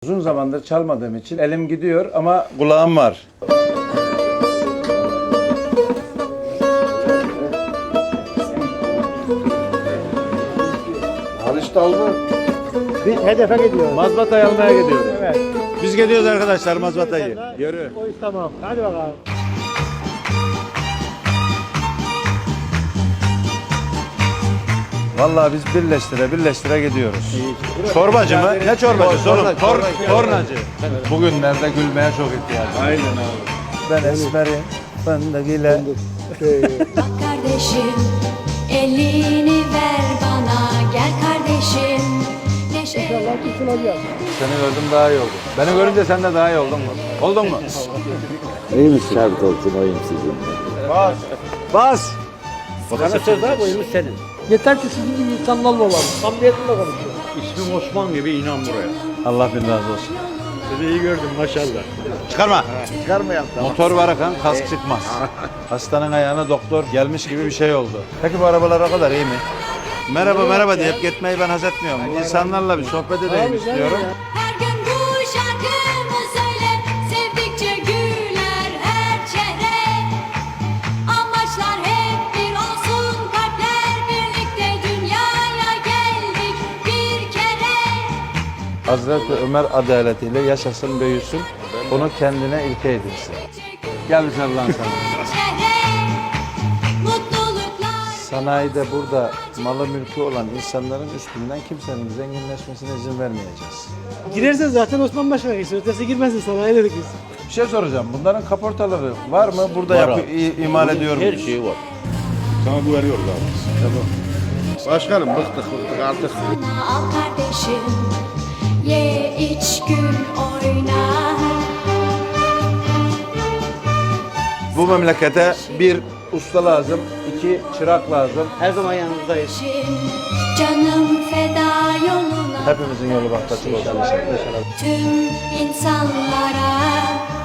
Uzun zamandır çalmadığım için elim gidiyor ama kulağım var. Alıştı mı? Biz hedefe gidiyoruz. Mazbatayı almaya gidiyoruz. Evet. Biz gidiyoruz arkadaşlar mazbatayı. Yürü. O iş tamam. Hadi bakalım. Vallahi biz birleştire gidiyoruz. Çorbacı mı? Ne çorbacı? Tornacı. Bugünlerde gülmeye çok ihtiyacım. Aynen abi. Ben esmerim, ben de gile. Bak kardeşim, elini ver bana. Gel kardeşim, neşe. Seni gördüm daha iyi oldum. Beni görünce sen de daha iyi oldun mu? Oldun mu? İyi misin? Şart olsun oyun sizin. Bas. Bas. Sana söz var, oyumuz senin. Yeter ki sizin gibi insanlarla olalım. Samimiyetle konuşuyor. İsmim Osman gibi inan buraya. Allah bin razı olsun. Sizi iyi gördüm maşallah. Çıkarma. Çıkarmayalım. Motor var Hakan, kask çıkmaz. Hastanın ayağına doktor gelmiş gibi bir şey oldu. Peki bu arabalar o kadar iyi mi? Merhaba deyip gitmeyi ben haz etmiyorum. İnsanlarla bir sohbet edeyim istiyorum. Her gün bu şarkımı söyle. Sevdikçe güler her çehre. Amaçlar hep bir olsun. Kalpler birlikte dünyaya geldik bir kere. Hazreti Ömer adaletiyle yaşasın büyüsün. Onu kendine ilke edinsin. Gel bir sarılan sana. Çehre, mutluluklar. Sanayide burada malı mülkü olan insanların üstünden kimsenin zenginleşmesine izin vermeyeceğiz. Girersen zaten Osman Başkan'a geçsin. Ötesi girmesin sana. Ne dedik biz? Bir şey soracağım. Bunların kaportaları var mı? Burada imal ediyor muyuz? Her şeyi var. Sana güveniyoruz abi. Başkanım bıktık artık. Sana al kardeşim, ye iç gül oyna. Bu memlekete bir usta lazım, iki çırak lazım. Her zaman yanınızdayız. Canım feda yoluna. Hepimizin yolu bahtı açık olsun inşallah. Tüm insanlara